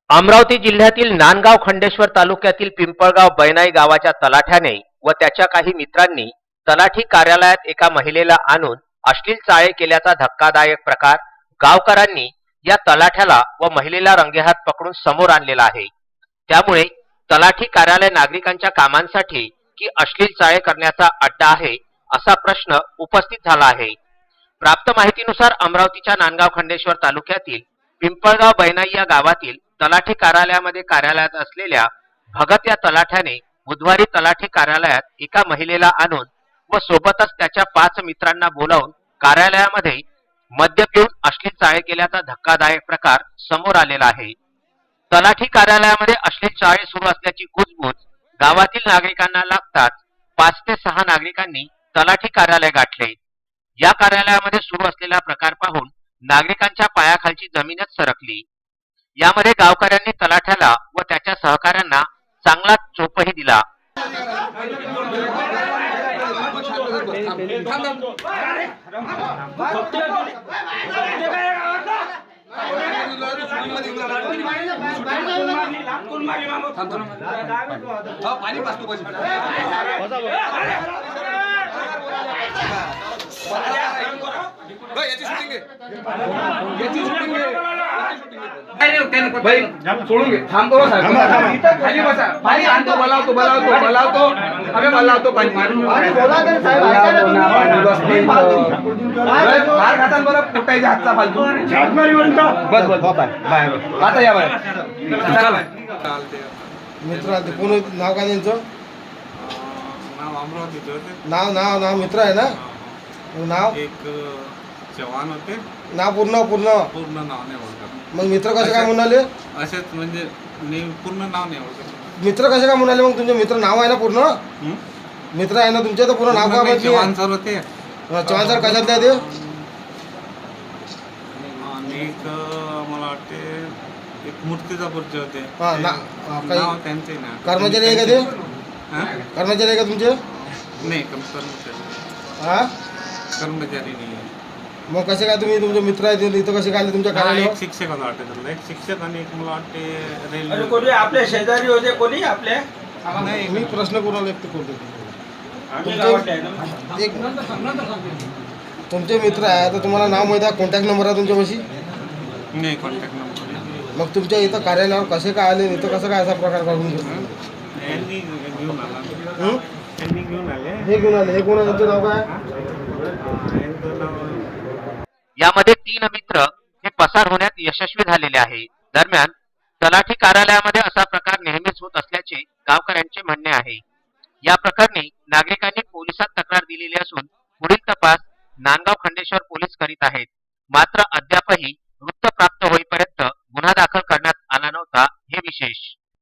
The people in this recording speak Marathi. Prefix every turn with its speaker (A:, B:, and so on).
A: अमरावती जिल्ह्यातील नांदगाव खंडेश्वर तालुक्यातील पिंपळगाव बैनाई गावाच्या तलाठ्याने व त्याच्या काही मित्रांनी तलाठी कार्यालयात एका महिलेला आणून अश्लील चाळे केल्याचा धक्कादायक प्रकार गावकऱ्यांनी या तलाठ्याला व महिलेला रंगेहात पकडून समोर आणलेला आहे। त्यामुळे तलाठी कार्यालय नागरिकांच्या कामांसाठी की अश्लील चाळे करण्याचा अड्डा आहे असा प्रश्न उपस्थित झाला आहे। प्राप्त माहितीनुसार अमरावतीच्या नांदगाव खंडेश्वर तालुक्यातील पिंपळगाव बैनाई या गावातील तलाठी कार्यालयामध्ये कार्यरत असलेल्या भगत या तलाठ्याने बुधवारी तलाठी कार्यालयात एका महिलेला आणून व सोबतच त्याच्या 5 मित्रांना बोलावून कार्यालयामध्ये मद्य पिऊन अश्लील चाळे केल्याचा धक्कादायक प्रकार समोर आलेला आहे। तलाठी कार्यालयामध्ये अश्लील चाळे सुरू असल्याची कुजबूज गावातील नागरिकांना लागताच 5 ते 6 नागरिकांनी तलाठी कार्यालय गाठले। या कार्यालयामध्ये सुरू असलेला प्रकार पाहून नागरिकांच्या पायाखालची जमीनच सरकली। यामध्ये गावकऱ्यांनी तलाठ्याला व त्याच्या सहकाऱ्यांना चांगला चोपही दिला।
B: भाई सोडून घे, थांबतो खाली बसा, पाणी आणतो, बोलावतो अबे बोलावतो पाणी मार खातात बरं फुटायच्या हातचा फालतू बस बाहेर आता या बाहेर
C: मित्र कोण नाव काय त्यांचं
D: नाव अमरावतीचे होते।
C: नाव नाव नाव मित्र आहे ना नाव
D: एक जवान होते,
C: नाव पूर्ण पूर्ण
D: पूर्ण नाव नाही ओळखत।
C: मग मित्र कसे काय म्हणाले
D: असेच म्हणजे पूर्ण नाव नाही ओळखत।
C: मित्र कसे काय म्हणाले मग तुमचे मित्र नाव आहे ना पूर्ण मित्र आहे ना तुमचे तर पूर्ण नाव काय माहिती
D: जवान सर होते
C: चव्हाण सर कशात द्या ते
D: आणि एक मला वाटते एक मूर्तिजापूरचे होते।
C: हा ना
D: नाव त्यांचे ना
C: कर्मचारी आहे का ते
D: हा?
C: कर्मचारी आहे का तुमचे
D: नाही कर्मचारी
C: हा
D: कर्मचारी नाही आहे।
C: मग कसे काय तुम्ही तुमचे मित्र आहेत इथं कसे काय तुमच्या
D: एक
C: कार्यालयावर
D: शिक्षक मला वाटते त्याला, एक शिक्षक आणि एक मला वाटते
B: आणि
D: रेल्वे
B: कोणी आपल्या शेजारी होते, कोणी आपल्या
D: नाही
C: मी प्रश्न कोणाला व्यक्त करतो
B: आम्ही गावातले आहे ना.
C: एक तुमचे मित्र आहे तर तुम्हाला नाव माहिती आहे कॉन्टॅक्ट नंबर आहे तुमच्यापाशी
D: नाही कॉन्टॅक्ट नंबर
C: मग तुमच्या इथं कार्यालयावर कसे काय आले इथं कसं काय असा प्रकार घडून गेला
D: यांनी घेऊन आला,
C: हं?
D: यांनी घेऊन आले।
C: हे घेऊन आले हे कोण आहे तुमचं नाव काय
D: यांचं नाव
A: यामध्ये 3 मित्र हे पसार होण्यात यशस्वी झालेले आहे। दरम्यान तलाठी कार्यालयामध्ये असा प्रकार नेहमीच होत असल्याचे गावकऱ्यांचे म्हणणे आहे। या प्रकरणी नागरिकांनी पोलिसात तक्रार दिलेली असून पुढील तपास नांदगाव खंडेश्वर पोलीस करीत आहेत। मात्र अद्यापही वृत्त प्राप्त होईपर्यंत गुन्हा दाखल करण्यात आला नव्हता हे विशेष।